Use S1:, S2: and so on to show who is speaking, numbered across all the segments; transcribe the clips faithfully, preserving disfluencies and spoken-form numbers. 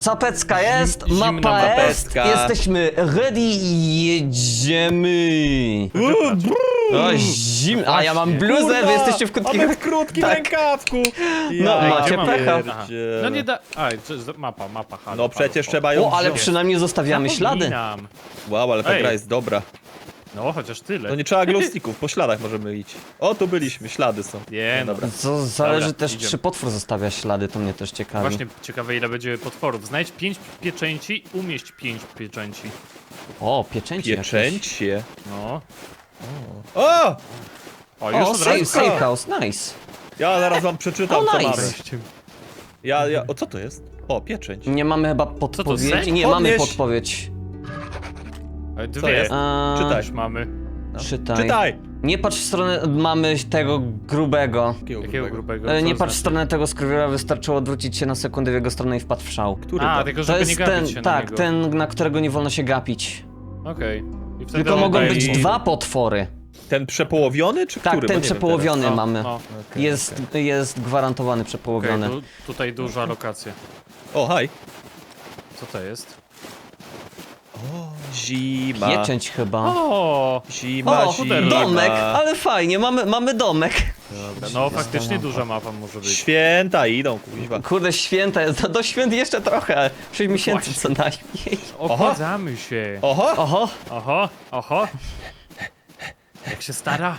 S1: Zapecka jest,
S2: Zimna
S1: mapa jest,
S2: mapeczka.
S1: jesteśmy ready i jedziemy. O, zim... A ja mam bluzę,
S2: Kurwa,
S1: wy jesteście w krótkich...
S2: a my w krótkim
S1: Tak.
S2: rękawku.
S1: No,
S2: Ja
S1: macie
S2: pierdzielę.
S1: pecha.
S3: Aha. No nie da... A, to jest mapa, mapa, halo,
S2: No przecież
S3: halo,
S2: trzeba ją
S1: O, ale
S2: wziąć.
S1: przynajmniej zostawiamy ślady.
S3: Zapominam.
S2: Wow, ale ta
S3: Ej.
S2: gra jest dobra.
S3: No, chociaż tyle.
S2: To nie trzeba glowsticków, po śladach możemy iść. O, tu byliśmy, ślady są.
S3: Nie, no.
S2: dobra.
S1: Co zależy
S3: Dobra,
S1: też,
S3: idziemy.
S1: czy potwór zostawia ślady, to mnie też ciekawi.
S3: Właśnie ciekawe ile będzie potworów. Znajdź pięć pieczęci, umieść pięć pieczęci.
S1: O, pieczęci jakieś.
S2: Pieczęcie.
S3: No.
S2: O!
S3: O, już
S1: O,
S3: od
S1: safe,
S3: razu.
S1: safe house, nice.
S2: Ja zaraz wam przeczytam,
S1: O,
S2: co
S1: nice.
S2: mamy. Ja, ja, o co to jest? O, pieczęć.
S1: Nie mamy chyba
S3: to,
S1: podpowiedzi.
S3: sek?
S1: Nie, mamy
S2: Podnieś.
S1: podpowiedź.
S3: Ale
S2: Co
S3: dwie.
S2: jest?
S1: A,
S2: Czytaj.
S3: Już mamy.
S2: No.
S1: Czytaj.
S2: Czytaj!
S1: Nie patrz w stronę, mamy tego grubego.
S3: Jakiego grubego?
S1: E,
S3: Co
S1: Nie
S3: to
S1: patrz w
S3: znaczy?
S1: stronę tego skrwiora, wystarczyło odwrócić się na sekundę w jego stronę i wpadł w szał.
S2: Który
S3: A,
S2: tam?
S3: tylko
S1: To
S3: żeby nie
S1: jest
S3: gapić
S1: ten,
S3: się na
S1: tak,
S3: niego.
S1: ten, na którego nie wolno się gapić.
S3: Okej. I wtedy
S1: Tylko
S3: on
S1: mogą
S3: daje
S1: być
S3: mi-
S1: dwa potwory.
S2: Ten przepołowiony, czy
S1: Tak,
S2: który? Bo
S1: ten
S2: nie wiem
S1: przepołowiony
S3: No,
S1: mamy.
S3: no.
S2: Okej,
S1: Jest, jest gwarantowany
S3: Okej,
S1: przepołowiony.
S3: tu, tutaj duża lokacja.
S2: teraz. O, haj.
S3: Co to jest?
S2: O, zima.
S1: Pieczęć chyba.
S3: O!
S2: Zima,
S1: O,
S2: zima.
S1: domek, ale fajnie, mamy, mamy domek.
S3: Dobra, no faktycznie duża mapa może być.
S2: Święta idą, kuźwa.
S1: Kurde, święta, jest- do świąt jeszcze trochę. sześć miesięcy
S3: Właśnie.
S1: co najmniej.
S3: Obchadzamy się.
S2: Oho!
S1: Oho,
S3: Oho, oho. Jak się stara?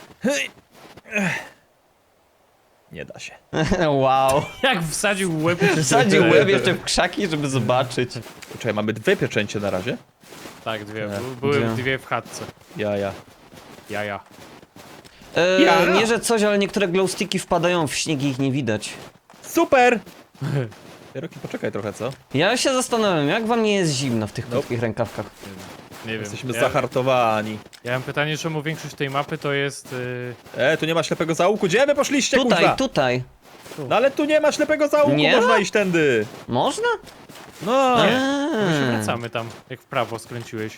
S2: Nie da się.
S1: wow.
S3: Jak wsadził łeb.
S1: Wsadził łeb jeszcze w krzaki, żeby zobaczyć.
S2: Czekaj, mamy dwie pieczęcie na razie.
S3: Tak, dwie.
S2: Tak.
S3: Bu- Były
S1: Gdzie?
S3: dwie w chatce.
S2: Ja, ja.
S3: Jaja.
S1: E,
S2: Ja.
S1: Nie, że coś, ale niektóre glowsticki wpadają w śnieg i ich nie widać.
S2: Super! Roki, poczekaj trochę, co?
S1: Ja się zastanawiam, jak wam nie jest zimno w tych
S2: Nope.
S1: krótkich rękawkach?
S3: Nie wiem.
S2: Jesteśmy
S3: ja,
S2: zahartowani.
S3: ja mam pytanie, czemu większość tej mapy to jest... Yy...
S2: E, tu nie ma ślepego zaułku. Gdzie wy poszliście,
S1: Tutaj,
S2: kuźwa?
S1: tutaj.
S2: No ale tu nie ma ślepego zaułku,
S1: Nie
S2: można
S1: ma?
S2: iść tędy.
S1: Można?
S2: No.
S3: Nie. My się
S1: Eee.
S3: wracamy tam, jak w prawo skręciłeś.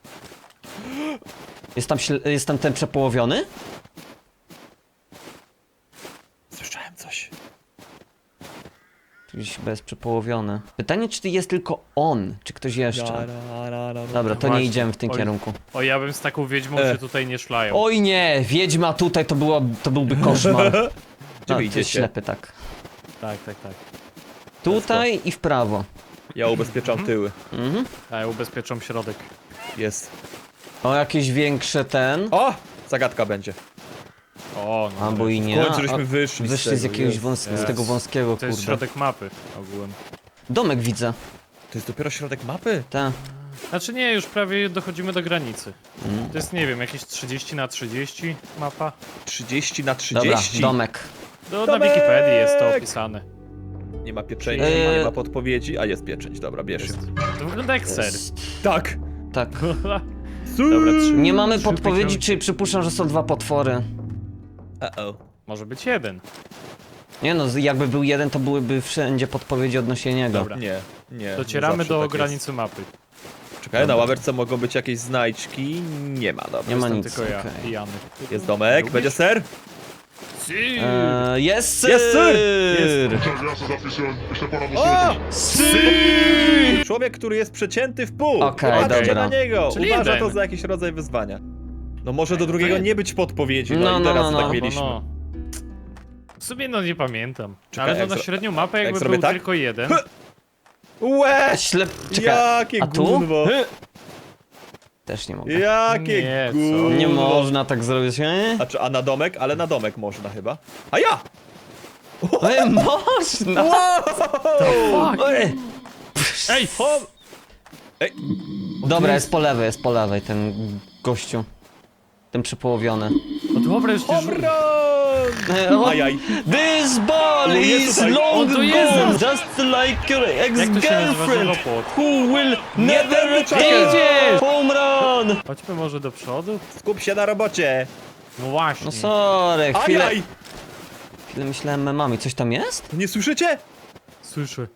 S1: Jest tam, śle- jest tam ten przepołowiony?
S2: Słyszałem coś.
S1: Gdzieś chyba jest przepołowiony. Pytanie, czy jest tylko on, czy ktoś jeszcze? Dobra, to nie
S3: Właśnie.
S1: idziemy w tym
S3: Oj.
S1: kierunku.
S3: O, ja bym z taką wiedźmą
S2: E.
S3: się tutaj nie szlają.
S1: Oj nie, wiedźma tutaj to, było, to byłby koszmar.
S2: Gdzie
S1: No,
S2: wy
S1: to jest
S2: idziecie?
S1: ślepy, tak.
S3: Tak, tak, tak.
S1: Tutaj i w prawo.
S2: Ja ubezpieczam tyły.
S1: Mhm.
S3: A ja ubezpieczam środek.
S2: Jest.
S1: O, jakieś większe ten.
S2: O! Zagadka będzie.
S3: O, no.
S1: Albo i
S2: W
S1: nie.
S2: końcu
S1: A,
S2: żeśmy wyszli
S1: wyszli z
S2: tego,
S1: jakiegoś
S2: jest.
S1: wąs z
S3: Jest.
S1: tego wąskiego,
S3: To jest
S1: kurde.
S3: środek mapy ogółem.
S1: Domek widzę.
S2: To jest dopiero środek mapy?
S1: Ta.
S3: Znaczy nie, już prawie dochodzimy do granicy.
S1: Mm.
S3: To jest, nie wiem, jakieś trzydzieści na trzydzieści mapa.
S2: trzydzieści na
S1: Dobra,
S2: trzydzieści.
S1: domek.
S3: Do, na
S2: Domek!
S3: Wikipedii jest to opisane.
S2: Nie ma pieczęci,
S1: Eee.
S2: nie ma podpowiedzi, a jest pieczęć. Dobra, bierz ją.
S3: Jest. To wygląda jak ser.
S1: Jest.
S2: Tak!
S1: Tak.
S3: Dobra, trzy,
S1: Nie mamy
S3: trzy
S1: podpowiedzi,
S3: pięćdziesiąt.
S1: czy przypuszczam, że są dwa potwory.
S2: Uh-oh.
S3: Może być jeden.
S1: Nie no, z- jakby był jeden, to byłyby wszędzie podpowiedzi odnośnie niego.
S3: Dobra.
S2: Nie, nie.
S3: Docieramy
S2: zawsze
S3: do
S2: tak
S3: granicy mapy.
S2: Jest. Czekaj, na ławeczce mogą być jakieś znajdźki. Nie ma, dobra.
S1: Nie ma
S3: Jestem
S1: nic,
S3: tylko ja
S1: okej.
S3: i Jany.
S2: Jest domek,
S3: Lubisz?
S2: będzie ser?
S3: Si!
S1: Eee, jest syr!
S2: Jest syr!
S3: Jest.
S4: Ja sobie zapisuję, jeszcze ponad
S2: O!
S1: Syr!
S2: Człowiek, który jest przecięty w pół.
S1: Okej,
S2: Popatrzcie
S1: dobra.
S2: na niego.
S3: Czyli
S2: Uważa
S3: jeden.
S2: to za jakiś rodzaj wyzwania. No może do drugiego
S3: jeden.
S2: nie być podpowiedzi, no,
S1: No,
S2: i
S1: no,
S2: teraz
S1: no, no.
S2: tak
S1: No,
S2: mieliśmy.
S3: No, no. W sumie no nie pamiętam.
S2: Czekaj,
S3: Ale
S2: jak
S3: no na
S2: zro-
S3: średnią mapę
S2: jak
S3: jakby
S2: zrobię
S3: był
S2: tak?
S3: tylko jeden.
S2: Łe!
S1: Ślep... Czekaj,
S2: Jakie
S1: a tu?
S2: gówno!
S1: Też nie mogę.
S2: Jakie
S3: Nie, co?
S2: gówno!
S1: Nie można tak zrobić, nie?
S2: A, czy, a na domek? Ale na domek można chyba. A ja!
S1: Ej, można!
S2: Wow!
S1: Ej.
S3: Ej!
S2: O! Ej,
S1: Dobra, jest po lewej, jest po lewej ten gościu. Ten przepołowiony.
S3: No dobra, już nie
S2: obron!
S1: Ej, o-
S2: Ajaj.
S1: This ball
S2: O, jest
S1: is
S2: tutaj.
S1: long
S3: O, to
S1: gone,
S3: jest.
S1: just like your
S3: Jak to się nazywa
S1: ex-girlfriend,
S3: żelopłot?
S1: who will never
S2: tędy,
S1: return.
S3: Idziesz!
S1: Home run!
S3: Chodźmy może do przodu?
S2: Skup się na robocie!
S3: No właśnie.
S1: No sorry, chwilę,
S2: Ajaj!
S1: chwilę myślałem memami. Coś tam jest?
S2: Nie słyszycie?
S3: Słyszę.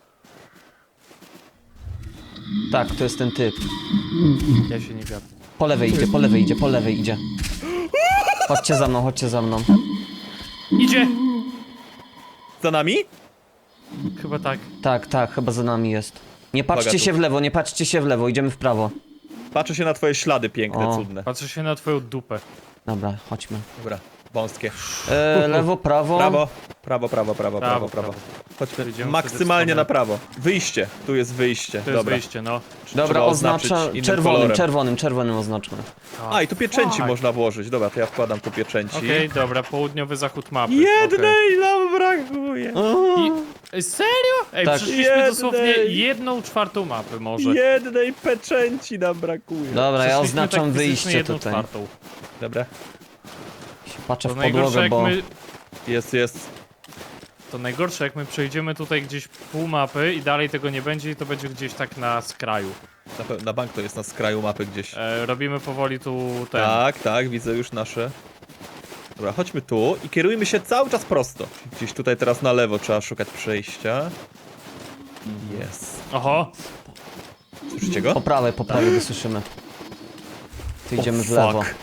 S1: Tak, to jest ten typ.
S3: Ja się nie gapię.
S1: Po lewej idzie, po lewej idzie, po lewej idzie. Chodźcie za mną, chodźcie za mną.
S3: Idzie!
S2: Za nami?
S3: Chyba tak.
S1: Tak, tak, chyba za nami jest. Nie patrzcie
S2: Uwaga tu.
S1: się w lewo, nie patrzcie się w lewo, idziemy w prawo.
S2: Patrzę się na twoje ślady piękne,
S1: O.
S2: cudne.
S3: Patrzę się na twoją dupę.
S1: Dobra, chodźmy.
S2: Dobra, wąskie.
S1: E, lewo, prawo.
S2: Prawo, prawo, prawo, prawo, prawo,
S3: Prawo,
S2: prawo. Chodźmy
S3: Idziemy
S2: maksymalnie
S3: wtedy w
S2: na
S3: stronę-
S2: prawo. Wyjście, tu jest wyjście.
S3: To jest
S2: Dobra.
S3: wyjście, no.
S1: Dobra,
S2: Trzeba oznaczyć
S1: oznacza
S2: innym
S1: czerwonym,
S2: kolorem.
S1: czerwonym, czerwonym oznaczmy.
S2: A, i tu pieczęci
S3: fuck.
S2: można włożyć. Dobra, to ja wkładam tu pieczęci.
S3: Okej, dobra, południowy zachód mapy. Okej.
S2: Jednej nam brakuje.
S3: I... Ej, serio? Ej,
S1: Tak.
S3: przyszliśmy
S2: Jednej.
S3: dosłownie jedną czwartą mapy może.
S2: Jednej pieczęci nam brakuje.
S1: Dobra, ja
S3: Przyszliśmy
S1: oznaczam
S3: tak fizycznie
S1: wyjście
S3: jedną
S1: tutaj.
S3: czwartą.
S2: Dobra,
S1: Się patrzę
S3: To
S1: w
S3: najgorsze
S1: podłogę,
S3: jak
S1: bo...
S3: my...
S2: jest, jest.
S3: To najgorsze jak my przejdziemy tutaj gdzieś pół mapy i dalej tego nie będzie i to będzie gdzieś tak na skraju.
S2: Na, pe- na bank to jest na skraju mapy gdzieś.
S3: E, robimy powoli tu ten.
S2: Tak, tak, widzę już nasze. Dobra, chodźmy tu i kierujmy się cały czas prosto. Gdzieś tutaj teraz na lewo trzeba szukać przejścia. Jest.
S3: Oho,
S2: Słyszycie go?
S1: Po prawej, po prawej wysłyszymy. Tu idziemy
S2: O,
S1: w lewo.
S2: fuck.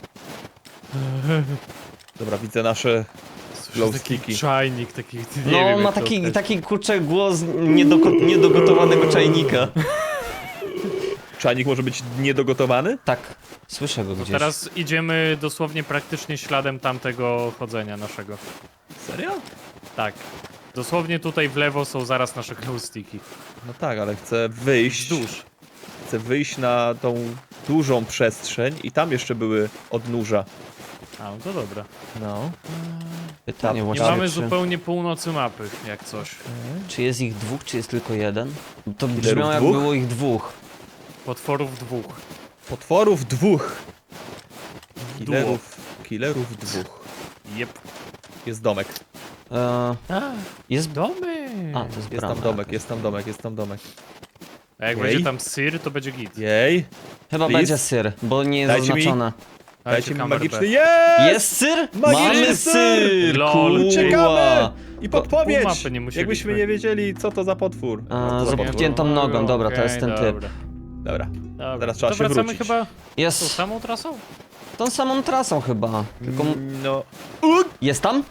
S2: Dobra, widzę nasze
S3: słyszę
S2: glow
S3: taki
S2: sticky.
S3: czajnik, taki, nie
S1: No,
S3: wiem,
S1: on
S3: jak
S1: ma
S3: to
S1: taki,
S3: określić.
S1: taki kurczę głos niedoko- niedogotowanego czajnika.
S2: Czajnik może być niedogotowany?
S1: Tak, słyszę go gdzieś.
S3: Teraz idziemy dosłownie praktycznie śladem tamtego chodzenia naszego.
S2: Serio?
S3: Tak. Dosłownie tutaj w lewo są zaraz nasze glowsticki.
S2: No tak, ale chcę wyjść.
S3: Wzdłuż.
S2: Chcę wyjść na tą dużą przestrzeń i tam jeszcze były odnóża.
S3: A, no to dobra.
S2: No.
S1: Pytanie
S3: Nie
S1: właściwie,
S3: mamy
S1: czy,
S3: zupełnie północy mapy, jak coś.
S1: czy jest ich dwóch, czy jest tylko jeden? To
S2: Killerów
S1: brzmiało jak
S2: dwóch?
S1: było ich dwóch.
S3: Potworów dwóch.
S2: Potworów dwóch. Killerów, killerów dwóch.
S3: Jep.
S2: Jest domek.
S1: E,
S3: A,
S1: jest...
S3: domy.
S1: A, to jest
S2: Jest
S1: brama
S2: tam domek,
S1: jakaś.
S2: jest tam domek, jest tam domek.
S3: A jak
S2: Jej.
S3: będzie tam syr, to będzie git.
S2: Jej.
S1: Chyba
S2: Please?
S1: będzie syr, bo nie jest
S2: Dajcie mi-
S1: oznaczone.
S2: Dajcie mi
S3: kamerę
S2: magiczny.
S3: B.
S2: Jest!
S1: Jest syr?
S2: Magiczny
S1: Mamy
S2: syr!
S1: syr!
S3: Lol,
S1: Kurwa.
S2: Uciekamy! I
S3: Pół
S2: podpowiedź!
S3: mapy nie musieliśmy.
S2: Jakbyśmy nie wiedzieli, co to za potwór.
S1: A,
S2: Co za
S1: z
S2: potwór.
S1: obciętą nogą, dobra, to jest ten typ.
S3: Dobra.
S2: Dobra.
S3: Dobra.
S2: Teraz trzeba
S3: to
S2: się
S3: wracamy
S2: wrócić.
S3: chyba tą
S1: Jest
S3: samą trasą?
S1: tą samą trasą chyba. Tylko...
S2: Mm, No.
S1: Jest tam?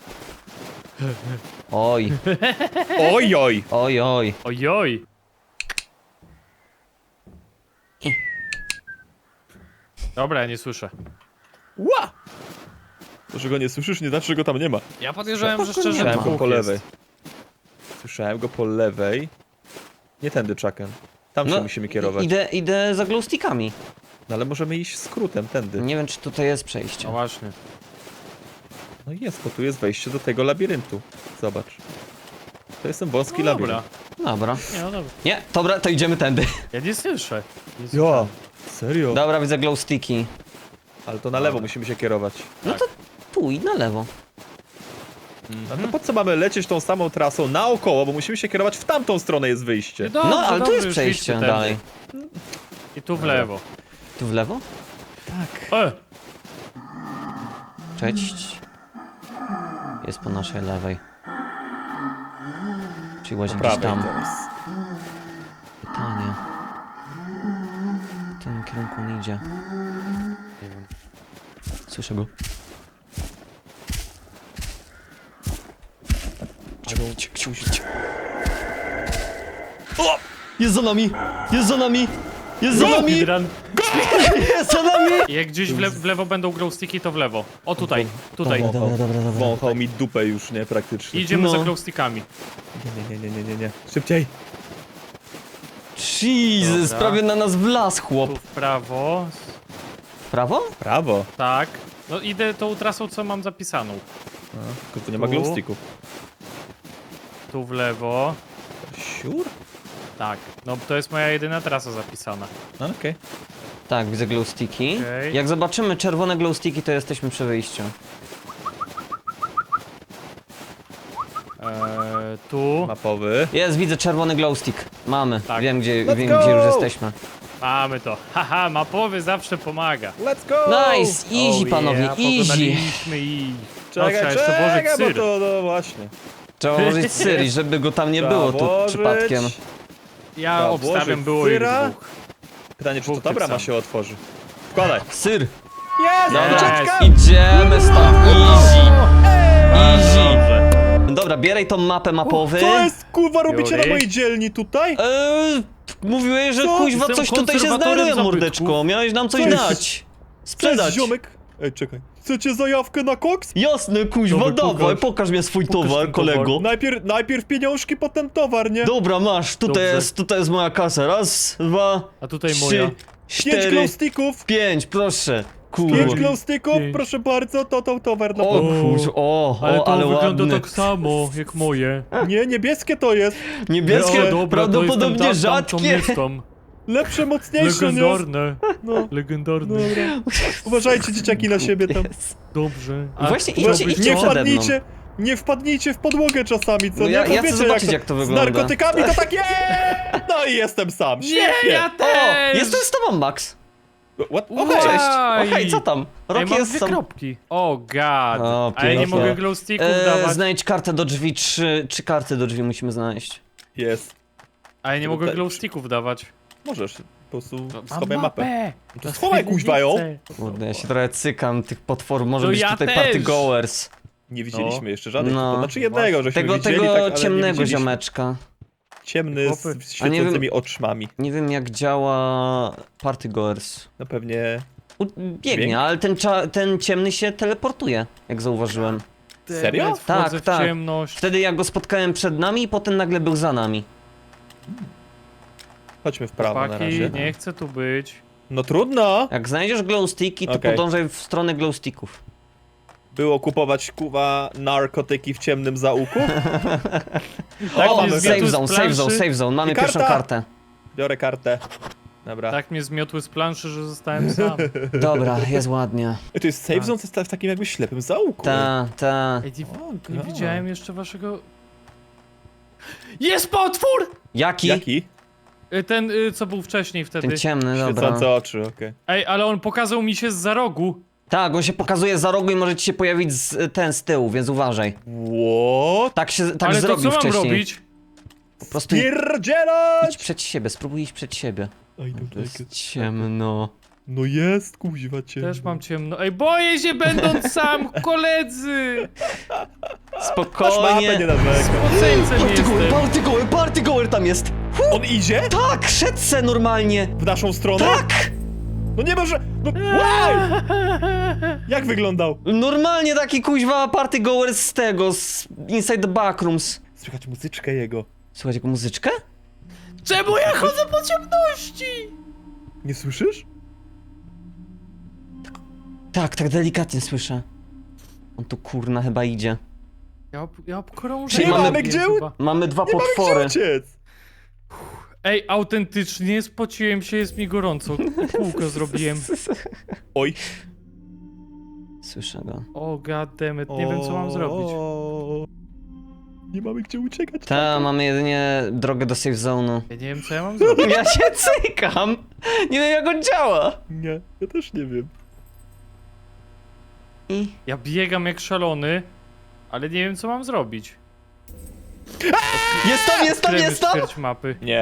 S1: Oj,
S2: Oj, oj!
S1: oj, oj.
S3: Ojoj! Dobra, ja nie słyszę.
S2: Ła! To, że go nie słyszysz, nie znaczy, że go tam nie ma.
S3: Ja podejrzewam, że
S1: Spoko,
S3: szczerze
S1: nie ma.
S2: Słyszałem go
S3: dwóch
S2: po
S3: jest.
S2: lewej. Słyszałem go po lewej. Nie tędy, Chucken. Tam się musimy kierować.
S1: Idę, idę za glowstickami.
S2: No ale możemy iść skrótem tędy.
S1: Nie wiem, czy tutaj jest
S3: No
S1: przejście.
S3: właśnie.
S2: No jest, bo tu jest wejście do tego labiryntu. Zobacz. To jest ten wąski
S3: No dobra.
S2: labirynt.
S1: Dobra.
S3: Nie, no dobra.
S1: Nie, dobra, to idziemy tędy.
S3: Ja nie słyszę. Nie
S2: Ja,
S3: słyszę.
S2: serio?
S1: Dobra, widzę glowsticki.
S2: Ale to na lewo
S3: Dobra.
S2: musimy się kierować.
S1: No to tu i na lewo.
S2: A to po co mamy lecieć tą samą trasą naokoło, bo musimy się kierować w tamtą stronę jest wyjście.
S3: Dobrze,
S1: No, ale tu
S3: dobrze,
S1: jest
S3: już
S1: przejście
S3: idźcie
S1: dalej.
S3: tędy. I tu w lewo.
S1: Tu w lewo?
S3: E!
S1: Cześć. Jest po naszej lewej. Czyli łazi
S2: Po
S1: gdzieś
S2: prawej
S1: tam.
S2: teraz.
S1: Pytanie. W którym kierunku on idzie?
S3: Nie wiem.
S1: Słyszę go. O! Jest za nami! Jest za nami! Jest za nami!
S3: Speedrun.
S1: Jest za nami!
S3: Jak gdzieś w, le w lewo będą glowsticki, to w lewo. O tutaj, tutaj.
S1: Dobra, dobra, dobra, dobra.
S2: Wąchał mi dupę już, nie? Praktycznie.
S3: I idziemy
S1: No.
S3: za glowstickami.
S2: Nie, nie, nie, nie, nie, nie. Szybciej.
S1: Jesus,
S3: Dobra.
S1: prawie na nas wlazł chłop.
S3: Tu w prawo.
S1: W prawo?
S2: Prawo.
S3: Tak. No idę tą trasą, co mam zapisaną.
S2: A, tylko tu nie ma
S3: Tu.
S2: glowsticków.
S3: Tu w lewo.
S2: Siur?
S3: Tak. No to jest moja jedyna trasa zapisana.
S2: A, okej.
S1: Tak, widzę glowsticki.
S3: Okej.
S1: Jak zobaczymy czerwone glowsticki, to jesteśmy przy wyjściu.
S3: Eee, tu.
S2: Mapowy.
S1: Jest, widzę czerwony glowstick. Mamy.
S3: Tak.
S1: Wiem, gdzie,
S2: Let's
S1: wiem
S2: go!
S1: gdzie już jesteśmy.
S3: Mamy to. Haha, mapowy zawsze pomaga.
S2: Let's go!
S1: Nice! Easy,
S3: Oh
S1: panowie,
S3: yeah,
S1: easy.
S3: pokonaliśmy ich.
S2: Czekaj,
S3: no, trzeba jeszcze
S2: czekaj,
S3: włożyć
S2: bo
S3: syr.
S2: to, no właśnie.
S1: Trzeba włożyć syr i żeby go tam nie
S2: Trzeba
S1: było tu
S2: włożyć.
S1: przypadkiem.
S3: Ja
S2: Trzeba
S3: obstawiam,
S2: włożyć
S3: było ich
S2: syra.
S3: dwóch.
S2: Pytanie, czy to
S3: Dwóch
S2: ta
S3: tych
S2: brama
S3: samych.
S2: się otworzy. Wkładaj.
S1: Syr!
S2: Jest!
S3: Dobra.
S2: ucieczka!
S1: Idziemy stąd, easy! Easy!
S3: Dobrze.
S1: Dobra, bieraj tą mapę mapowy.
S2: Co jest, kurwa, robicie
S3: Biorę.
S2: na mojej dzielni tutaj?
S1: Eee, mówiłeś, że
S2: Co?
S1: kuźwa
S3: Jestem
S1: coś tutaj się
S3: konserwatorem
S1: znajduje,
S3: zabytków.
S1: mordeczko. Miałeś nam coś
S2: Co jest?
S1: dać.
S2: Cześć,
S1: Sprzedać.
S2: ziomek. Ej, czekaj. Chcecie zajawkę na koks?
S1: Jasne, kuźwa,
S3: Dobra,
S1: dawaj,
S3: pokaż.
S1: pokaż mi swój
S3: Pokaż
S1: towar,
S3: ten towar.
S1: kolego.
S2: Najpierw, najpierw pieniążki, potem towar, nie?
S1: Dobra, masz, tutaj
S3: Dobrze.
S1: jest, tutaj jest moja kasa. Raz, dwa,
S3: A tutaj
S1: trzy,
S3: moja.
S2: Pięć
S1: cztery,
S2: glowsticków.
S1: pięć, proszę.
S2: Pięć
S1: Kurwa.
S2: glowsticków,
S3: Pięć.
S2: proszę bardzo, to to towar na
S1: O
S2: pomoc.
S1: kurz, o,
S3: Ale
S1: o,
S3: to
S1: ale
S3: wygląda
S1: ładny.
S3: tak samo jak moje.
S2: Nie, niebieskie to jest.
S1: Niebieskie,
S3: O, dobra, to
S1: prawdopodobnie
S3: jestem tam, tam,
S1: rzadkie.
S3: Tam, tam.
S2: Lepsze, mocniejsze, nie?
S3: Legendarne.
S2: No,
S3: Legendarne.
S2: dobra. Uważajcie, dzieciaki, na siebie tam.
S1: Jest.
S3: Dobrze.
S1: Właśnie,
S3: to
S1: idźcie,
S3: być-
S1: idźcie
S2: Nie
S1: przede mną.
S2: wpadnijcie, nie wpadnijcie w podłogę czasami, co
S1: No
S2: nie?
S1: ja-
S2: Bo
S1: ja chcę
S2: wiecie,
S1: zobaczyć,
S2: to-
S1: jak to
S2: Z
S1: wygląda.
S2: narkotykami to tak jest! No i jestem sam,
S3: Nie,
S2: świetnie!
S3: ja
S1: O,
S3: też!
S1: jestem z tobą, Max.
S2: What?
S3: Wow.
S2: Okej.
S1: Cześć.
S3: Aj.
S1: O, hej, co tam?
S3: Ej,
S1: Rocky
S3: mam
S1: jest
S3: dwie
S1: sam.
S3: kropki. O god.
S1: O,
S3: A ja nie
S1: pięknie.
S3: mogę glowsticków
S1: E,
S3: dawać.
S1: znajdź kartę do drzwi, trzy, trzy karty do drzwi musimy znaleźć.
S2: Jest.
S3: A ja nie mogę
S2: Tutaj-
S3: glowsticków dawać.
S2: Możesz, po prostu
S3: Mam
S2: schowaj mapę.
S3: No
S2: To schowaj, kuźwa, ją.
S1: Kurde, ja się trochę cykam tych potworów, może
S3: No
S1: być
S3: ja
S1: tutaj
S3: też.
S1: party goers.
S2: Nie widzieliśmy jeszcze żadnych,
S1: No.
S2: to znaczy jednego, żeśmy
S1: Tego,
S2: widzieli,
S1: tego
S2: tak, ale nie
S1: ciemnego
S2: widzieliśmy.
S1: ziomeczka.
S2: Ciemny
S3: Chłopy.
S2: z
S1: A nie
S2: świecącymi
S1: wiem-
S2: oczmami.
S1: Nie wiem jak działa party goers.
S2: No pewnie...
S1: U, biegnie,
S2: Dźwięk?
S1: ale ten, cza, ten ciemny się teleportuje, jak zauważyłem.
S2: Serio?
S3: Demet, wchodzę
S1: Tak,
S3: w
S1: tak.
S3: ciemność.
S1: Wtedy ja go spotkałem przed nami i potem nagle był za nami.
S2: Chodźmy w prawo na
S3: Chłopaki,
S2: razie.
S3: nie chcę tu być.
S2: No trudno!
S1: Jak znajdziesz glowsticki, to
S2: Okej.
S1: podążaj w stronę glowsticków.
S2: Było kupować, kuwa, narkotyki w ciemnym zaułku?
S3: Tak,
S1: O,
S3: mnie
S2: mamy
S1: save
S3: zmiotły z
S1: zone, save zone,
S3: planszy.
S1: save zone, mamy
S2: I karta.
S1: pierwszą kartę.
S2: Biorę kartę. Dobra.
S3: Tak mnie zmiotły z planszy, że zostałem sam.
S1: Dobra, jest ładnie.
S2: Ej, to jest save zone, to jest w takim jakby ślepym zaułku.
S1: Ta, ta.
S3: Ej, nie,
S2: O,
S3: nie
S2: God.
S3: widziałem jeszcze waszego... Jest potwór!
S1: Jaki?
S2: Jaki?
S3: Y, Ten, y, co był wcześniej wtedy.
S1: Ten ciemny, dobra.
S2: Świecące oczy, okej.
S3: Ej, ale on pokazał mi się z za rogu.
S1: Tak, on się pokazuje za rogu i może ci się pojawić z, ten z tyłu, więc uważaj.
S2: What?
S1: Tak się tak
S3: ale to co
S1: zrobił
S3: mam
S1: wcześniej.
S3: robić?
S1: Po prostu idź
S2: Pierdzielać!
S1: przed siebie, spróbuj iść przed siebie.
S2: Oj,
S1: To
S2: dobra,
S1: jest ciemno.
S2: no jest, kuźwa cię.
S3: Też mam ciemno. Ej, boję się będąc sam, koledzy!
S2: Masz mapę, nie
S1: Spokojnie.
S2: narzekaj.
S3: Spoceńcem
S1: Party goer,
S3: jestem.
S1: party goer, party goer tam jest!
S2: On idzie?
S1: Tak, szedł se normalnie.
S2: W naszą stronę?
S1: Tak!
S2: No nie może... No, wow! Jak wyglądał?
S1: Normalnie taki kuźwa party goer z tego, z Inside the Backrooms.
S2: Słychać muzyczkę jego.
S1: Słuchaj jego muzyczkę?
S3: Czemu ja chodzę po ciemności?
S2: Nie słyszysz?
S1: Tak, tak delikatnie słyszę. On tu kurna chyba idzie.
S3: Ja, ob, ja obkrążę.
S1: Czyli
S2: Nie
S1: mamy-
S2: mamy gdzie, u-
S3: chyba.
S1: Mamy dwa
S2: nie mamy
S1: potwory.
S2: gdzie uciec.
S3: Ej, autentycznie spociłem się, jest mi gorąco. Kółko zrobiłem.
S2: Oj.
S1: Słyszę go.
S3: O, goddammit, nie wiem co mam zrobić.
S2: O, nie mamy gdzie uciekać.
S1: Ta, mamy jedynie drogę do safe zone'u.
S3: Ja nie wiem co ja mam zrobić.
S1: Ja się cykam! Nie wiem jak on działa.
S2: Nie, ja też nie wiem.
S1: I...
S3: Ja biegam jak szalony, ale nie wiem co mam zrobić.
S1: Jest tam, jest tam,
S3: Kremy
S1: jest tam!
S3: ćwierć mapy.
S2: Nie.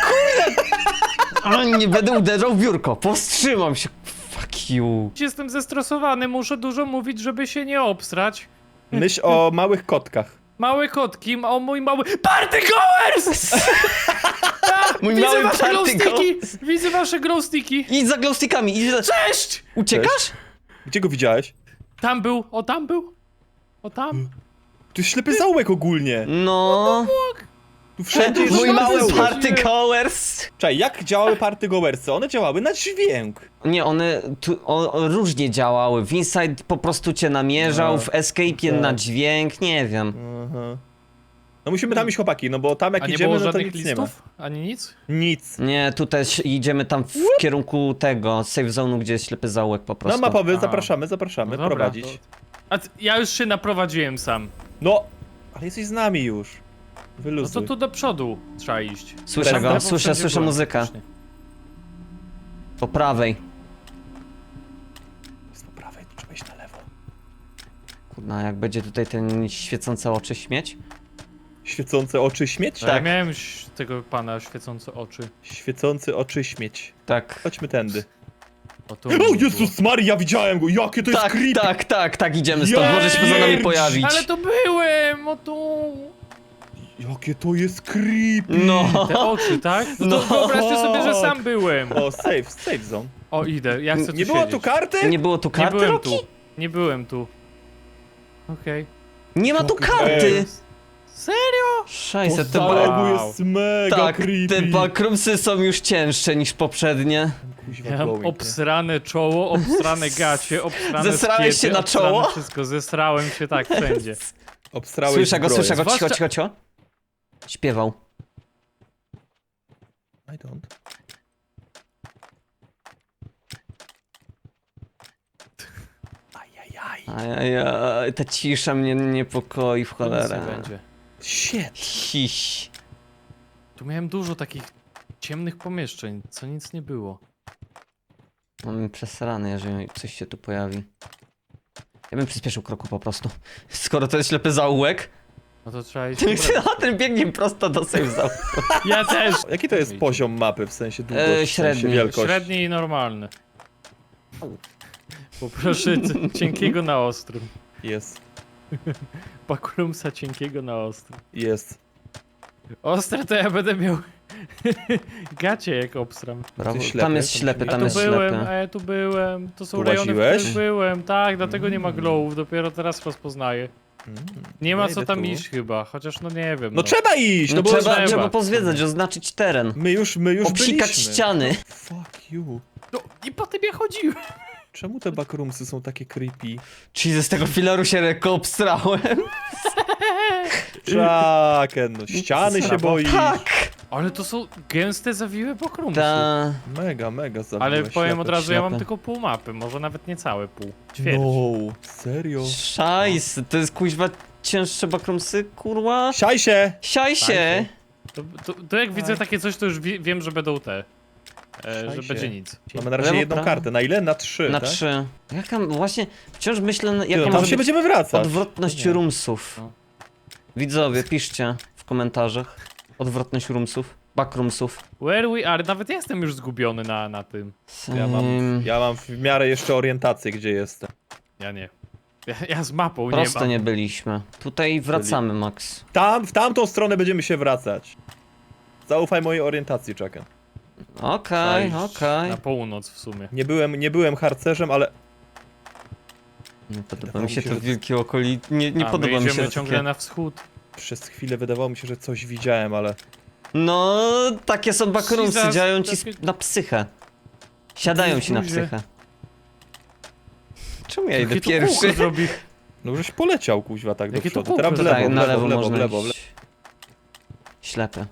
S1: A, nie będę uderzał w biurko, powstrzymam się. Fuck you.
S3: Jestem zestresowany, muszę dużo mówić, żeby się nie obstrać.
S2: Myśl o małych kotkach.
S3: Małe kotki, o mój mały... Party goers! Tak,
S1: Mój
S3: widzę
S1: mały
S3: wasze
S1: party
S3: glowsticki! Widzę wasze glowsticki!
S1: Idź za glowstickami, idź za...
S3: Cześć!
S1: Uciekasz?
S2: Gdzie go widziałeś?
S3: Tam był, o tam był. O tam.
S2: To jest ślepy zaułek ogólnie.
S1: No...
S2: Tu wszędzie jest
S1: Mój
S2: ślepy
S1: mały
S2: zaułek.
S1: party goers.
S2: Czekaj, jak działały party goersy? One działały na dźwięk.
S1: Nie, one tu, o, o, różnie działały. W Inside po prostu cię namierzał,
S2: No,
S1: w Escape'ie
S2: tak.
S1: na dźwięk, nie wiem.
S2: Aha. No musimy tam iść, chłopaki, no bo tam jak
S3: A nie
S2: idziemy,
S3: było
S2: no to
S3: żadnych
S2: nic nie ma.
S3: listów? Ani nic?
S2: Nic.
S1: Nie, tutaj ś- idziemy tam w kierunku tego, safe zone'u, gdzie jest ślepy zaułek po
S2: No
S1: prostu.
S2: mapowy,
S3: A.
S2: zapraszamy, zapraszamy,
S3: No dobra,
S2: prowadzić.
S3: to- A t- ja już się naprowadziłem sam.
S2: No, ale jesteś z nami już.
S3: No
S2: Wyluzuj.
S3: to tu do przodu trzeba iść.
S1: Słyszę
S2: Teraz
S1: go,
S2: lewo
S1: słyszę,
S3: wszędzie
S1: słyszę
S3: byłem,
S1: muzykę.
S3: faktycznie.
S1: Po prawej.
S2: Jest po prawej, tu trzeba iść na lewo.
S1: Kurna, jak będzie tutaj ten świecące oczy śmieć.
S2: Świecące oczy śmieć?
S3: Tak. Ja miałem ś- tego pana świecące oczy.
S2: Świecący oczy śmieć.
S1: Tak.
S2: Chodźmy tędy.
S3: O, tu
S2: O
S3: było.
S2: Jezus Maria, widziałem go! Jakie to jest
S1: Tak,
S2: creepy!
S1: tak, tak, tak, idziemy stąd, może się poza nami
S2: Jej!
S1: pojawić.
S3: Ale to byłem, o tu.
S2: Jakie to jest creepy!
S1: No.
S3: Te oczy, tak? No,
S2: No.
S3: to wyobraźcie sobie, że sam byłem.
S2: O, save, save zone.
S3: O, idę, ja chcę tu
S2: Nie było tu
S3: siedzieć.
S2: karty?
S1: Nie było tu
S3: Nie
S1: karty,
S3: byłem
S1: Roki?
S3: tu. Nie byłem tu. Okej.
S1: Nie ma tu
S2: Jakie-
S1: karty!
S3: Serio?
S1: Szajse, te,
S2: To
S1: ba...
S3: Wow.
S2: jest mega
S1: tak,
S2: creepy.
S1: te bakrumsy są już cięższe niż poprzednie.
S2: Kuźwa,
S3: Ja mam
S2: glowing, nie?
S3: obsrane czoło, obsrane gacie, obsrane
S1: Zesrałeś
S3: skiety,
S1: się na
S3: obsrane
S1: czoło?
S3: Wszystko, zesrałem się tak wszędzie.
S2: Obstrałeś
S1: Słyszę go,
S2: zbroję.
S1: słyszę go, cicho,
S3: Zwłaszcza-
S1: cicho, cicho. Śpiewał.
S2: I don't. Ajajaj.
S1: Ajajaj, ta cisza mnie niepokoi w
S3: Nic
S1: cholerę.
S3: nie będzie.
S2: Shit.
S1: Hiś.
S3: Tu miałem dużo takich ciemnych pomieszczeń, co nic nie było.
S1: Mam przesrany, jeżeli coś się tu pojawi. Ja bym przyspieszył kroku po prostu. Skoro to jest ślepy zaułek,
S3: No to trzeba iść.
S1: a ten biegnie prosto do safe zaułku.
S3: Ja też!
S2: Jaki to jest poziom mapy, w sensie długość,
S1: E,
S2: w sensie
S1: średni.
S2: wielkość?
S3: Średni i normalny. Poproszę c- cienkiego na ostrym.
S2: Jest,
S3: Bakrumsa cienkiego na ostrym.
S2: jest.
S3: Ostre to ja będę miał gacie jak obsram.
S1: Brawo.
S2: Ty ślepy,
S1: Tam jest
S2: tam
S1: ślepy,
S2: się-
S3: Ja
S1: tam
S3: tu
S1: jest
S3: byłem,
S1: ślepy.
S3: a ja tu byłem. To są
S2: Tu
S3: rejony, w
S2: łaziłeś?
S3: których byłem. Tak, dlatego nie ma glowów, dopiero teraz rozpoznaję.
S2: Mm,
S3: Nie ma
S2: ja
S3: co
S2: idę
S3: tam
S2: tu.
S3: iść chyba, chociaż no nie wiem.
S2: No trzeba iść, no,
S1: No
S2: bo
S1: trzeba,
S3: trzeba.
S1: trzeba pozwiedzać, oznaczyć teren.
S2: my już, my już
S1: Obsikać
S2: byliśmy.
S1: ściany.
S2: Fuck you.
S3: No i po tym ja chodziłem.
S2: Czemu te backroomsy są takie creepy?
S1: Czyli z tego filaru się lekko obstrałem.
S2: Czaken, no ściany się
S3: Brawo.
S2: boi.
S1: Tak!
S3: Ale to są gęste, zawiłe pokrumsy.
S1: Ta...
S2: Mega, mega zabiłeś.
S3: Ale powiem od
S2: ślepy.
S3: razu, ja mam
S1: ślepy.
S3: tylko pół mapy, może nawet nie całe pół. Ćwierć.
S2: No, serio?
S1: Szajs, to jest kuźwa cięższe bakrumsy, kurwa.
S2: Siaj się!
S1: Siaj się!
S3: To, to, to jak widzę takie coś, to już wie, wiem, że będą te. E, że
S2: Szajsie.
S3: będzie nic.
S2: Mamy na razie
S1: Lewo,
S2: jedną
S1: prawo.
S2: kartę. Na ile? Na trzy,
S1: Na
S2: tak?
S1: trzy. Jaka, właśnie, wciąż myślę,
S2: Ty,
S1: jaka
S2: no, tam
S1: może
S2: się
S1: być
S2: będziemy wracać.
S1: odwrotność
S2: Nie.
S1: roomsów.
S3: No.
S1: Widzowie, piszcie w komentarzach. Odwrotność roomsów, backroomsów.
S3: Where we are? Nawet ja jestem już zgubiony na, na tym.
S2: Ja mam,
S1: Ym,
S2: ja mam w miarę jeszcze orientację, gdzie jestem.
S3: Ja nie. Ja, ja z mapą nie
S1: Prosto
S3: mam.
S1: nie byliśmy. Tutaj wracamy, Max.
S2: Tam, w tamtą stronę będziemy się wracać. Zaufaj mojej orientacji, Chucken.
S1: Okej,
S3: Trzeba iść
S1: okej.
S3: Na północ w sumie.
S2: Nie byłem, nie byłem harcerzem, ale...
S1: Nie podoba
S2: Wydawało
S1: mi się
S2: mi się,
S1: to
S2: że-
S1: wielkie okoli... Nie, nie
S3: A
S1: podoba
S3: my
S1: mi się
S3: idziemy
S1: to
S3: ciągle
S1: takie...
S3: na wschód.
S2: Przez chwilę wydawało mi się, że coś widziałem, ale...
S1: No, takie są backroomsy,
S3: Jesus,
S1: działają ci
S3: takie-
S1: sp- na psychę. Siadają ci na
S3: Ludzie.
S1: psychę. Czemu ja idę
S3: Jakie to
S1: pierwszy?
S3: kółko zrobi?
S2: No żeś poleciał, kuźwa, tak do
S3: Jakie to
S2: przodu.
S3: kółko
S2: Teraz w
S3: tutaj
S2: lewo,
S1: Tak,
S2: w
S1: na
S2: lewo,
S1: lewo
S2: w lewo, w
S1: można
S2: lewo, w lewo.
S1: iść. Ślepy.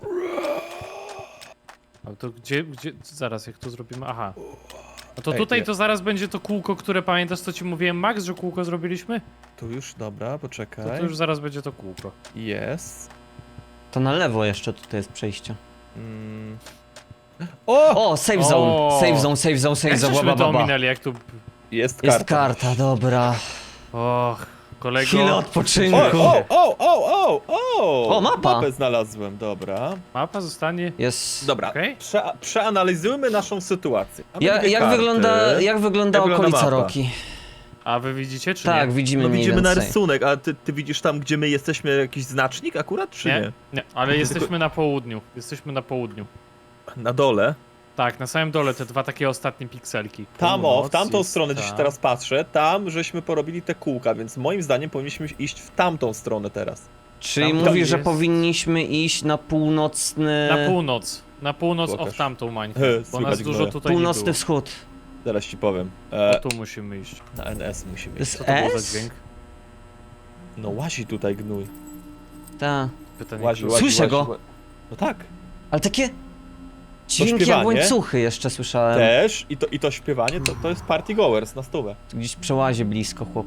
S3: A to gdzie, gdzie, zaraz jak to zrobimy? Aha. A to
S2: Ej,
S3: tutaj
S2: nie.
S3: to zaraz będzie to kółko, które pamiętasz co ci mówiłem, Max, że kółko zrobiliśmy?
S2: Tu już, dobra,
S3: To,
S2: poczekaj.
S3: to już zaraz będzie to kółko.
S2: Jest.
S1: To na lewo jeszcze tutaj jest przejście.
S2: Mm. O!
S1: O, save zone,
S3: O!
S1: save zone, save zone, save
S3: Jak
S1: zone,
S3: żeśmy
S1: ba, ba,
S3: to
S1: ba.
S3: ominęli, jak tu...
S2: Jest karta.
S1: Jest karta, dobra.
S3: Och, kolego...
S1: Chwilę odpoczynku.
S2: O, o, o, o, o, o!
S1: O, mapa.
S2: Mapę znalazłem, dobra.
S3: Mapa zostanie...
S1: Jest...
S2: Dobra,
S3: Okej.
S2: Prze przeanalizujmy naszą sytuację. Mamy
S1: Ja,
S2: dwie
S1: jak,
S2: karty.
S1: wygląda, jak wygląda
S2: Jak wygląda
S1: okolica
S2: mapa?
S1: Roki?
S3: A wy widzicie, czy
S1: Tak,
S3: nie?
S1: widzimy
S2: No
S1: mniej
S2: widzimy na
S1: więcej.
S2: rysunek, a ty, ty widzisz tam, gdzie my jesteśmy, jakiś znacznik akurat, czy nie?
S3: Nie? Nie, ale jesteśmy na południu. Jesteśmy na południu.
S2: Na dole.
S3: Tak, na samym dole te dwa takie ostatnie pikselki.
S2: Tam, o, w
S3: Północ
S2: tamtą
S3: jest
S2: stronę,
S3: ta.
S2: gdzieś teraz patrzę, tam żeśmy porobili te kółka, więc moim zdaniem powinniśmy iść w tamtą stronę teraz.
S1: Czyli
S3: Tam
S1: mówisz, że
S3: jest-
S1: powinniśmy iść na północny...
S3: Na północ. Na północ
S2: Pokaż.
S3: o w tamtą mańkę.
S2: He,
S3: Bo
S2: słychać
S3: nas dużo
S2: gnoja.
S3: tutaj
S1: Północny
S3: nie było.
S1: wschód.
S2: Zaraz ci powiem.
S3: O,
S2: E,
S3: tu musimy iść.
S2: na N S musimy
S1: To
S2: iść.
S1: jest
S3: Co to było
S1: S?
S3: za dźwięk?
S2: No łazi tutaj gnój.
S1: Tak.
S3: Pytanie,
S2: Łazi,
S3: kto-
S2: łazi,
S1: Słyszę
S2: łazi,
S1: go.
S2: ła- No tak.
S1: Ale takie... Dźwięki jak
S2: śpiewanie?
S1: łańcuchy jeszcze słyszałem.
S2: Też. I to, i to śpiewanie to, to jest party goers na stówę.
S1: Gdzieś przełazie blisko, chłop.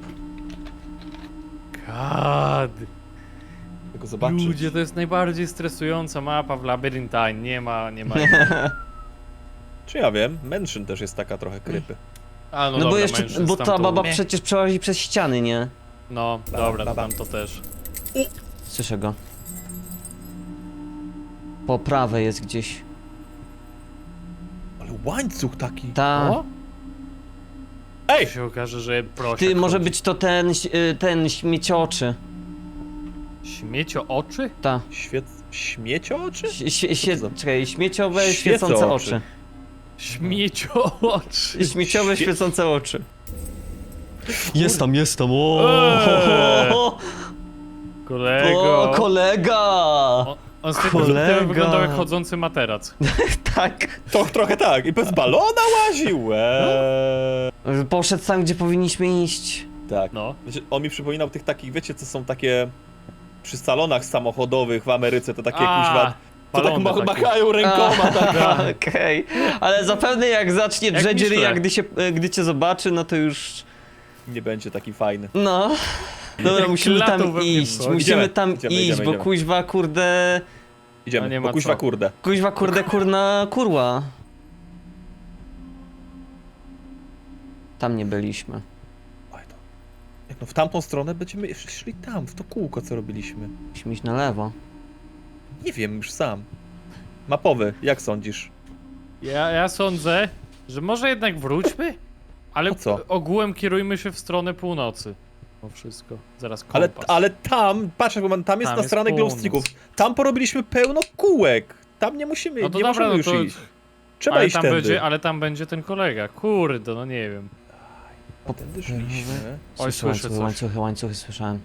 S3: God.
S2: Tylko zobaczyć.
S3: Ludzie, to jest najbardziej stresująca mapa w Labyrinthine. Nie ma, nie ma.
S2: Czy ja wiem? Mansion też jest taka trochę krypy.
S3: A, no,
S1: No,
S3: dobra,
S1: bo jeszcze,
S3: mężczyzn
S1: bo
S3: tam
S1: ta
S3: tu-
S1: baba
S3: Nie.
S1: przecież przełazi przez ściany, nie?
S3: No,
S2: Ba,
S3: dobra,
S2: ba,
S3: to
S2: ba.
S3: tam to też.
S1: Słyszę go. Po prawej jest gdzieś.
S2: Ale łańcuch taki.
S1: Ta...
S3: O?
S2: Ej!
S3: się okaże, że prosiak
S1: Ty, może
S3: chodzi.
S1: być to ten, y, ten śmiecioczy.
S3: Śmiecio oczy?
S1: Ta.
S2: Świec... Śmieciooczy?
S1: Świe, świe, świe,
S2: Co to za-
S1: czekaj, śmieciowe,
S2: Świecą
S1: świecące
S2: oczy.
S1: oczy.
S3: Śmiecio oczy.
S1: Śmieciowe,
S2: Świe-
S1: świecące oczy. Jest tam, jest tam, o,
S3: Eee.
S1: o,
S3: Kolego.
S1: o kolega!
S3: On, on z tej perspektywy
S1: Kolega.
S3: wyglądał jak chodzący materac.
S1: Tak.
S2: To trochę tak. I bez balona łaził. Eee.
S1: Poszedł tam, gdzie powinniśmy iść.
S2: Tak.
S3: No.
S2: Wiecie, on mi przypominał tych takich, wiecie, co są takie przy salonach samochodowych w Ameryce, to takie kuźwa, to tak
S3: balony
S2: ma
S3: takie.
S2: machają rękoma, tak.
S1: Okej, ale zapewne jak zacznie
S3: Jak
S1: drzeć
S3: Michelin.
S1: ryja, gdy, się, gdy cię zobaczy, no to już...
S2: Nie będzie taki fajny.
S1: No. Dobra,
S3: Jak
S1: musimy
S3: latał
S1: tam
S3: we mnie
S1: iść,
S3: wchodzi.
S1: musimy
S2: Idziemy,
S1: tam
S2: idziemy,
S1: iść,
S2: idziemy,
S1: bo
S2: idziemy.
S1: kuźwa, kurde...
S2: Idziemy,
S3: No nie
S2: bo
S3: ma
S2: kuźwa
S3: co.
S2: kurde.
S1: Kuźwa, kurde, kurna, kurła. Tam nie byliśmy.
S2: Oj, to... Jak no w tamtą stronę będziemy szli tam, w to kółko, co robiliśmy.
S1: Musimy iść na lewo.
S2: Nie wiem już sam. Mapowy, jak sądzisz?
S3: Ja, ja sądzę, że może jednak wróćmy? Ale
S2: Po co?
S3: ogółem kierujmy się w stronę północy. O wszystko. Zaraz kompas.
S2: Ale, ale tam, patrz, jak mam- tam jest
S3: Tam
S2: na
S3: jest
S2: stronę
S3: północ.
S2: glowsticków. Tam porobiliśmy pełno kółek. Tam nie musimy,
S3: No to
S2: nie
S3: dobra,
S2: możemy
S3: no
S2: już
S3: to...
S2: iść. Trzeba
S3: Ale
S2: iść
S3: tam,
S2: tędy.
S3: będzie, ale tam będzie ten kolega. Kurde, no nie wiem.
S2: A tędy szliśmy.
S3: Oj,
S1: Słyszę
S3: słyszę
S1: łańcuchy,
S3: coś.
S1: łańcuchy, łańcuchy słyszałem.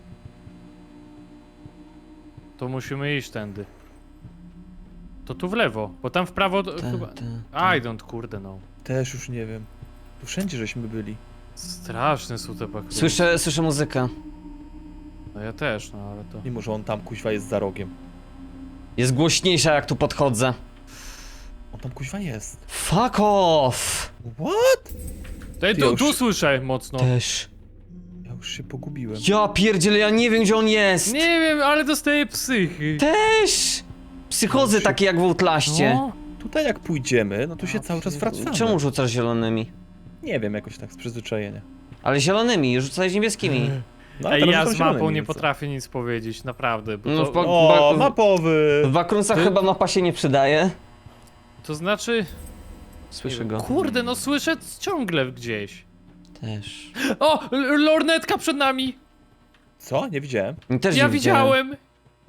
S3: To musimy iść tędy. To tu w lewo, bo tam w prawo to
S1: Te,
S3: chyba...
S1: te,
S3: I don't, kurde no.
S2: Też już nie wiem. Tu wszędzie żeśmy byli.
S3: Straszne są te pakrury.
S1: Słyszę, słyszę muzykę.
S3: No ja też, no ale to...
S2: Mimo, że on tam kuźwa jest za rogiem.
S1: Jest głośniejsza jak tu podchodzę.
S2: On tam kuźwa jest.
S1: Fuck off!
S2: What?
S3: Ty,
S2: Ty
S3: tu,
S2: już-
S3: tu słyszę mocno.
S1: Też.
S2: Ja już się pogubiłem.
S1: Ja pierdzielę, ja nie wiem gdzie on jest!
S3: Nie wiem, ale dostaję psychy.
S1: Też! Psychozy
S2: Się-
S1: takie jak w Outlaście.
S3: No.
S2: Tutaj jak pójdziemy, no to się
S3: Ja
S2: cały czas
S3: pierdolę.
S2: wracamy.
S1: Czemu rzucasz zielonymi?
S2: Nie wiem, jakoś tak z przyzwyczajenia.
S1: Ale zielonymi, rzucaj niebieskimi.
S2: No,
S3: Ej,
S2: teraz
S3: ja
S2: rzucam
S3: z mapą
S2: zielonymi,
S3: nie
S2: więc co?
S3: potrafię nic powiedzieć, naprawdę. Bo
S1: No,
S3: to,
S1: w pa-
S2: O,
S1: Ba-
S2: mapowy!
S1: W Bakrunsach
S3: Ty-
S1: chyba mapa się nie przydaje.
S3: to znaczy...
S1: Słyszę go.
S3: Kurde, no słyszę ciągle gdzieś.
S1: Też.
S3: O! l- Lornetka przed nami!
S2: Co? Nie widziałem.
S1: Też
S3: Ja
S1: nie widziałem.
S3: widziałem!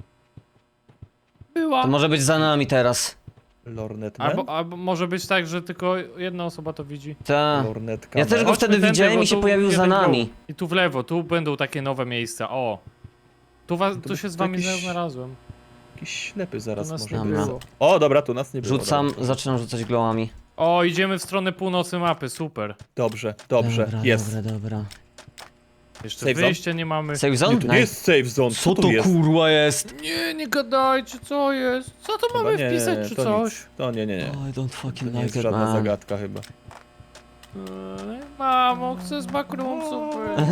S3: Była.
S1: To może być za nami teraz.
S2: Lornetman?
S3: Albo, albo może być tak, że tylko jedna osoba to widzi.
S1: Ta.
S2: Lornetka.
S1: Ja też go
S3: Chodźmy
S1: wtedy
S3: tędy,
S1: widziałem
S3: bo
S1: i się
S3: tu
S1: pojawił za
S3: jeden
S1: nami.
S3: glow. I tu w lewo, tu będą takie nowe miejsca, o. Tu, was,
S2: To
S3: tu się z wami
S2: jakiś-
S3: znalazłem.
S2: Jakiś ślepy zaraz
S3: To nas
S2: może
S3: nie
S1: Dobra.
S2: było. O, dobra, tu nas nie było.
S1: Rzucam,
S2: Dobra.
S1: zaczynam rzucać glowami.
S3: O, idziemy w stronę północy mapy, super.
S2: Dobrze, dobrze,
S1: Dobra,
S2: jest.
S1: dobra, dobra.
S3: Jeszcze
S2: Safe zone?
S3: wyjścia nie mamy.
S1: Save
S2: Nie,
S1: zone?
S2: to nie
S1: Nice.
S2: jest safe zone,
S1: Co
S2: co
S1: to
S2: tu jest?
S1: kurwa jest?
S3: Nie, nie gadajcie, co jest? Co to
S2: Chyba
S3: mamy
S2: nie,
S3: wpisać,
S2: nie,
S3: czy
S2: to
S3: coś?
S2: Nic. To nie, nie, nie.
S1: I don't
S2: To
S1: fucking
S2: nie jest
S1: like it,
S2: żadna
S1: man.
S2: zagadka chyba.
S3: Eee, Mamo, chcę z backroomsów być.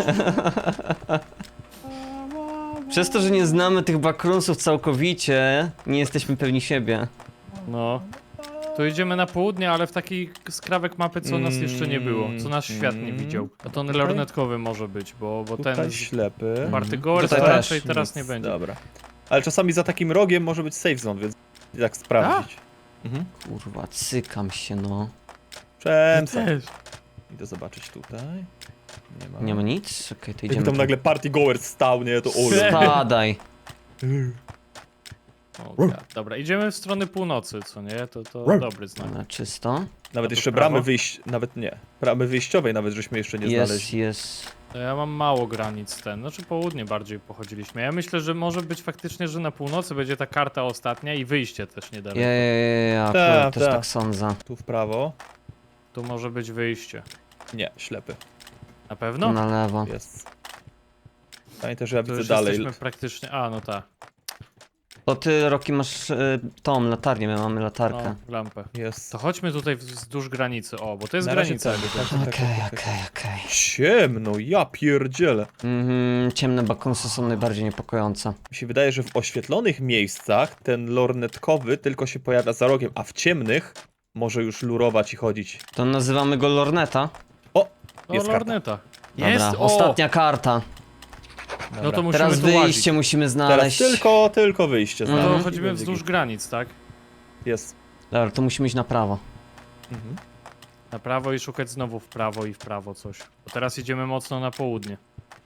S1: Przez to, że nie znamy tych backroomsów całkowicie, nie jesteśmy pewni siebie.
S3: No. To idziemy na południe, ale w taki skrawek mapy, co nas jeszcze nie było. Co nasz świat nie
S2: Mm.
S3: widział. A to
S2: Tutaj?
S3: lornetkowy może być, bo, bo
S2: Tutaj
S3: ten z
S2: ślepy.
S3: Party Goers
S1: Tutaj
S3: raczej
S1: też.
S3: teraz
S2: Nic,
S3: nie będzie.
S2: Dobra. Ale czasami za takim rogiem może być safe zone, więc jak sprawdzić. Mhm.
S1: Kurwa, cykam się, no.
S2: Przemysł.
S3: Też.
S2: Idę zobaczyć tutaj. Nie ma.
S1: Nie ma nic? Okej, to
S2: Jakby
S1: idziemy.
S2: tam
S1: tu.
S2: nagle party goer stał, nie? To ole.
S1: Spadaj.
S3: O, God. Dobra, idziemy w stronę północy, co nie? To, to
S2: Ruff.
S3: dobry znak.
S1: Dobra, czysto.
S2: Nawet
S3: to
S2: jeszcze
S3: w prawo?
S2: bramy wyjść, nawet nie. Bramy wyjściowej nawet żeśmy jeszcze nie
S1: Jest,
S2: znaleźli.
S1: jest.
S3: To ja mam mało granic ten, znaczy południe bardziej pochodziliśmy. Ja myślę, że może być faktycznie, że na północy będzie ta karta ostatnia i wyjście też niedaleko.
S1: Ja, ja, ja, ja,
S2: Ta,
S1: akurat też
S2: ta.
S1: tak sądzę.
S2: Tu w prawo.
S3: Tu może być wyjście.
S2: Nie, ślepy.
S3: Na
S1: Tu
S3: pewno?
S1: na lewo.
S2: Jest. Pamiętaj, że ja
S3: To
S2: widzę
S3: już
S2: dalej.
S3: jesteśmy praktycznie... A, no tak.
S1: To ty, Roki, masz y, tą latarnię, my mamy latarkę.
S3: No, lampę.
S2: Jest.
S3: To chodźmy tutaj wzdłuż granicy, o, bo to jest
S2: Na razie
S3: granica.
S2: tak,
S3: jakby
S2: tak,
S3: tak.
S2: tak,
S1: Okej,
S2: tak, tak,
S1: okej, okej.
S2: Ciemno, ja pierdzielę.
S1: Mhm, ciemne bakrumsy są najbardziej niepokojące.
S2: Mi się wydaje, że w oświetlonych miejscach ten lornetkowy tylko się pojawia za rogiem, a w ciemnych może już lurować i chodzić.
S1: To nazywamy go Lorneta.
S2: O!
S3: O,
S2: Jest karta.
S3: lorneta.
S1: Dobra,
S3: Jest, o!
S1: ostatnia karta.
S3: No to
S2: Dobra.
S3: musimy
S1: Teraz
S3: tu
S1: wyjście
S3: łazić.
S1: musimy
S2: Teraz
S1: znaleźć.
S2: tylko, tylko wyjście
S3: No
S2: znaleźć
S3: to
S2: i
S3: chodzimy
S2: będzie
S3: wzdłuż
S2: git.
S3: granic, tak?
S2: Jest.
S1: Dobra, to musimy iść na prawo.
S2: Mhm.
S3: Na prawo i szukać znowu w prawo i w prawo coś. Bo teraz idziemy mocno na południe.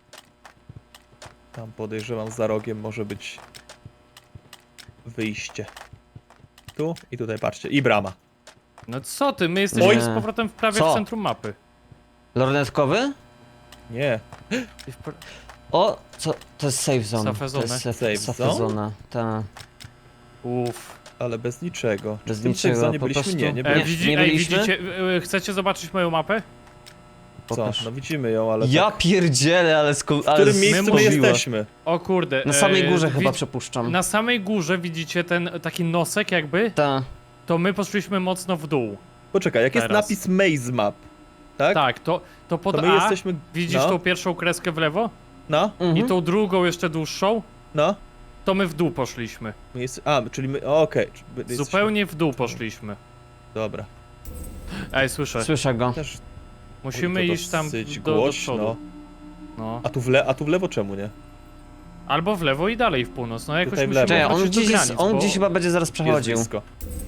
S2: Tam podejrzewam za rogiem może być wyjście. Tu i tutaj, patrzcie. I brama.
S3: No co ty, my jesteśmy
S1: Oj.
S3: z powrotem w prawie
S1: Co?
S3: w centrum mapy.
S1: Lornetkowy?
S2: Nie.
S3: I w pr...
S1: O, co? To jest safe zone.
S3: Safe
S1: To
S3: zone.
S1: jest safe,
S2: Safe
S1: safe
S2: zone?
S1: zona. Ta.
S3: Uff.
S2: Ale bez niczego.
S1: Bez
S2: w tym
S1: niczego,
S2: safe zone
S1: po
S2: byliśmy?
S1: prostu-
S2: Nie, nie
S3: E,
S2: byliśmy.
S3: widzi,
S1: nie
S3: ej,
S1: byliśmy?
S3: widzicie, e, chcecie zobaczyć moją mapę?
S2: Co?
S1: Pokaż.
S2: No widzimy ją, ale
S1: Ja
S2: tak.
S1: pierdzielę, ale sku...
S2: W którym miejscu my
S1: mówiła.
S2: jesteśmy?
S3: O kurde.
S1: Na samej
S3: e,
S1: górze
S3: wi-
S1: chyba przypuszczam.
S3: Na samej górze widzicie ten taki nosek jakby?
S1: Ta.
S3: To my poszliśmy mocno w dół.
S2: Poczekaj, jak jest
S3: Teraz.
S2: napis Maze Map, tak?
S3: Tak, to, to pod
S2: To my
S3: A
S2: jesteśmy...
S3: widzisz
S2: no,
S3: tą pierwszą kreskę w lewo?
S2: No,
S1: Mhm.
S3: I tą drugą jeszcze dłuższą?
S2: no.
S3: To my w dół poszliśmy.
S2: My jest... A, czyli my... o, Okej. Czy my jesteśmy-
S3: Zupełnie w dół poszliśmy.
S2: Dobra.
S3: Ej, słyszę.
S1: Słyszę go.
S2: Też...
S3: Musimy
S2: Oj, to
S3: iść tam
S2: dosyć
S3: do, do
S2: głośno.
S3: przodu. No.
S2: A tu, w le... A tu w lewo czemu nie?
S3: Albo w lewo i dalej w północ. No jakoś
S2: Tutaj w
S3: musimy
S2: lewo.
S1: Czekaj, on
S3: wrócić do
S1: gdzieś, jest,
S3: granic,
S1: on
S3: bo...
S1: gdzieś chyba będzie zaraz
S2: Jest
S1: przechodził.
S2: blisko.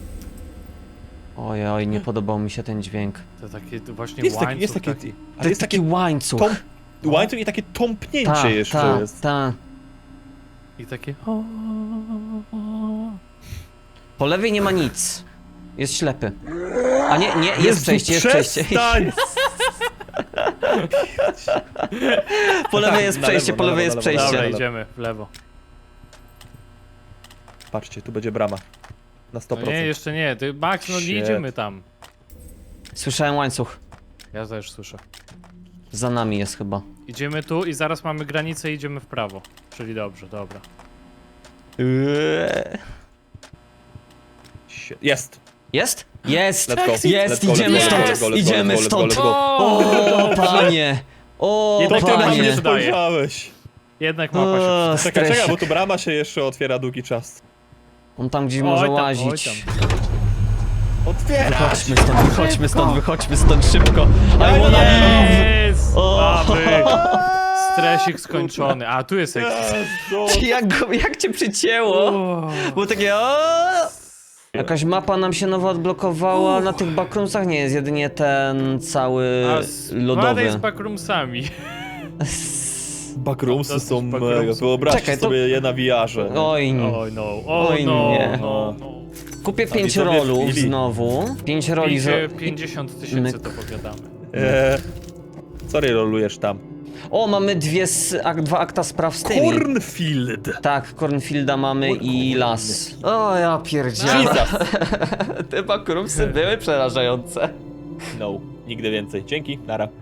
S1: Oj, oj, nie podobał mi się ten dźwięk.
S3: To takie to właśnie
S2: Jest taki,
S3: łańcuch
S2: jest taki...
S3: taki.
S2: Ale
S1: To
S2: jest
S1: taki
S2: takie...
S1: łańcuch.
S2: Tom... Łańcuch i takie tąpnięcie
S1: Ta,
S2: jeszcze
S1: ta,
S2: jest.
S1: ta.
S3: I takie... o, o, o.
S1: Po lewej nie ma nic. Jest ślepy. A nie, nie, jest przejście, jest przejście.
S2: Przestań!
S1: Po lewej
S2: Tak,
S1: jest
S2: na
S1: przejście,
S2: lewo,
S1: po
S2: na
S1: lewej
S2: lewo,
S1: jest
S2: na lewo,
S1: przejście.
S3: Dobra,
S2: lewo.
S3: idziemy w lewo.
S2: Patrzcie, tu będzie brama. Na sto
S3: No
S2: procent.
S3: nie, jeszcze nie. Ty, Max, no nie
S2: Shit.
S3: idziemy tam.
S1: Słyszałem łańcuch.
S3: Ja też słyszę.
S1: Za nami jest chyba.
S3: Idziemy tu i zaraz mamy granicę i idziemy w prawo. Czyli dobrze, dobra.
S1: Eee.
S2: Shit. Jest!
S1: Jest? Jest!
S2: Let's go.
S1: Jest!
S2: Let's go,
S1: Idziemy
S2: let's go,
S1: stąd!
S2: let's go, let's go,
S1: Idziemy
S2: let's go,
S1: stąd!
S2: let's go.
S1: O, panie! O,
S3: Jednak
S2: To
S3: to
S2: ty
S3: nam
S2: nam
S3: nie
S2: nie
S1: panie!
S3: zdaje.
S2: spojrzałeś!
S3: Jednak mapa się
S1: O,
S3: przyda.
S2: Czekaj, czekaj,
S1: stresik.
S2: bo tu brama się jeszcze otwiera długi czas.
S1: On tam gdzieś
S3: Oj
S1: może
S3: tam, oj
S1: łazić.
S3: tam.
S2: Otwierać!
S1: Wychodźmy stąd, wychodźmy stąd, wychodźmy stąd szybko.
S2: Ja
S1: I wanna
S2: nie-
S3: Jest!
S1: O.
S3: Mamy! Stresik skończony. A, tu jest ekspres.
S2: Jezu.
S1: Jak, go, jak cię przycięło? Było takie o. Jakaś mapa nam się nowo odblokowała, na tych backroomsach nie jest jedynie ten cały
S3: A z
S1: lodowy.
S3: z backroomsami.
S2: Backroomsy
S3: Dosyć
S2: są
S3: backroomsy.
S2: mega. Wyobraźcie
S1: Czekaj, to-
S2: sobie je na V R-ze.
S1: Oj,
S3: Oj no, o
S1: Oj,
S3: no,
S1: nie.
S3: no, no.
S1: kupię
S2: A
S1: pięć
S2: widzowie
S1: rolów
S2: wbili.
S1: znowu. Pięć roli z...
S3: Idzie pięćdziesiąt tysięcy,
S1: myk.
S3: to powiadamy.
S2: Eee, sorry, rolujesz tam.
S1: O, mamy dwie s... ak, dwa akta spraw z tymi.
S2: Cornfield!
S1: Tak, Cornfielda mamy i las. O, ja pierdzielę.
S2: Jesus!
S1: Te backroomsy były przerażające.
S2: No, nigdy więcej. Dzięki, nara.